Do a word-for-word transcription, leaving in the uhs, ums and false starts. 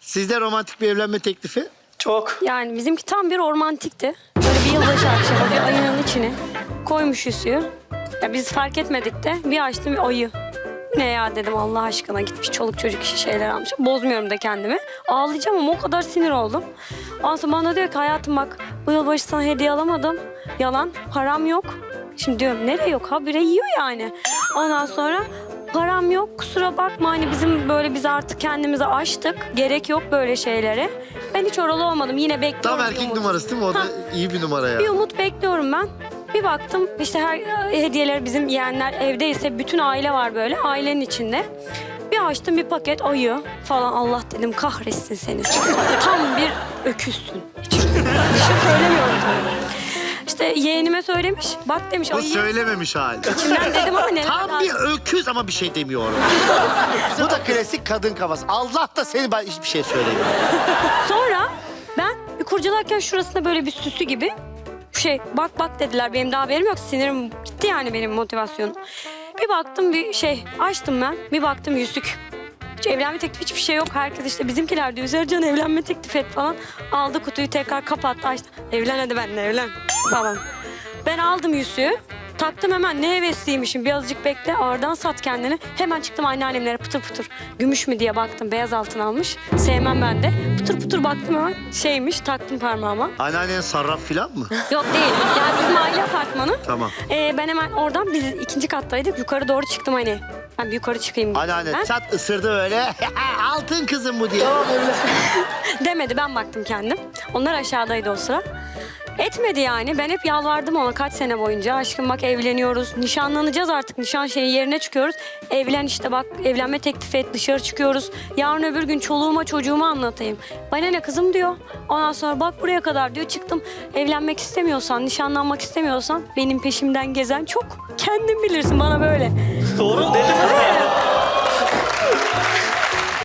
Sizde romantik bir evlenme teklifi? Çok. Yani bizimki tam bir romantikti. Böyle bir yılbaşı akşamı bir ayının içine koymuş yüzüğü. Ya biz fark etmedik de bir açtım bir ayı. Ne ya dedim Allah aşkına, gitmiş çoluk çocuk işi şeyler almış. Bozmuyorum da kendimi. Ağlayacağım ama o kadar sinir oldum. Ondan sonra bana diyor ki hayatım bak bu yılbaşı sana hediye alamadım. Yalan, param yok. Şimdi diyorum nereye yok, habire yiyor yani. Ondan sonra param yok, kusura bakma, hani bizim böyle biz artık kendimizi aştık. Gerek yok böyle şeylere. Ben hiç oralı olmadım, yine bekliyorum. Tam bir erkek umut. numarası değil mi? O da Ha. iyi bir numara ya. Bir umut bekliyorum ben. Bir baktım işte her hediyeler bizim yeğenler evdeyse bütün aile var böyle ailenin içinde. Bir açtım bir paket ayı falan, Allah dedim kahretsin seni. Tam bir öküzsün. Hiç bir şey söylemiyorum tabii. İşte yeğenime söylemiş. Bak demiş Bu ayı. söylememiş hali. İçimden dedim ama ne? Tam bir öküz ama bir şey demiyor ona. Bu da klasik kadın kafası. Allah da seni, ben hiçbir şey söylemiyorum. Sonra ben bir kurcalarken şurasında böyle bir süsü gibi şey bak bak dediler. Benim daha haberim yok. Sinirim gitti yani, benim motivasyonum. Bir baktım bir şey açtım ben. Bir baktım yüzük. Hiç evlenme teklifi hiçbir şey yok. Herkes işte bizimkiler diyor Sercan evlenme teklif et falan. Aldı kutuyu tekrar kapattı açtı. Evlen hadi benimle evlen falan. Ben aldım yüzüğü. Taktım hemen, ne hevesliymişim, birazcık bekle oradan sat kendini. Hemen çıktım anneannemlere pıtır pıtır. Gümüş mü diye baktım, beyaz altın almış. Sevmem ben de. Pıtır pıtır baktım hemen, şeymiş, taktım parmağıma. Anneannen sarraf falan mı? Yok değil, yani bizim aile apartmanı. Tamam. Ee, ben hemen oradan, biz ikinci kattaydık, yukarı doğru çıktım hani. Ben bir yukarı çıkayım dedim. Anneannen Ben- çat ısırdı böyle. Altın kızım bu diye. Demedi, ben baktım kendim. Onlar aşağıdaydı o sıra. Etmedi yani. Ben hep yalvardım ona kaç sene boyunca. Aşkım bak evleniyoruz. Nişanlanacağız artık. Nişan şeyi yerine çıkıyoruz. Evlen işte bak, evlenme teklif et, dışarı çıkıyoruz. Yarın öbür gün çoluğuma çocuğuma anlatayım. Bana ne kızım diyor. Ondan sonra bak buraya kadar diyor çıktım. Evlenmek istemiyorsan, nişanlanmak istemiyorsan benim peşimden gezen çok. Kendin bilirsin bana böyle. Doğru dedim.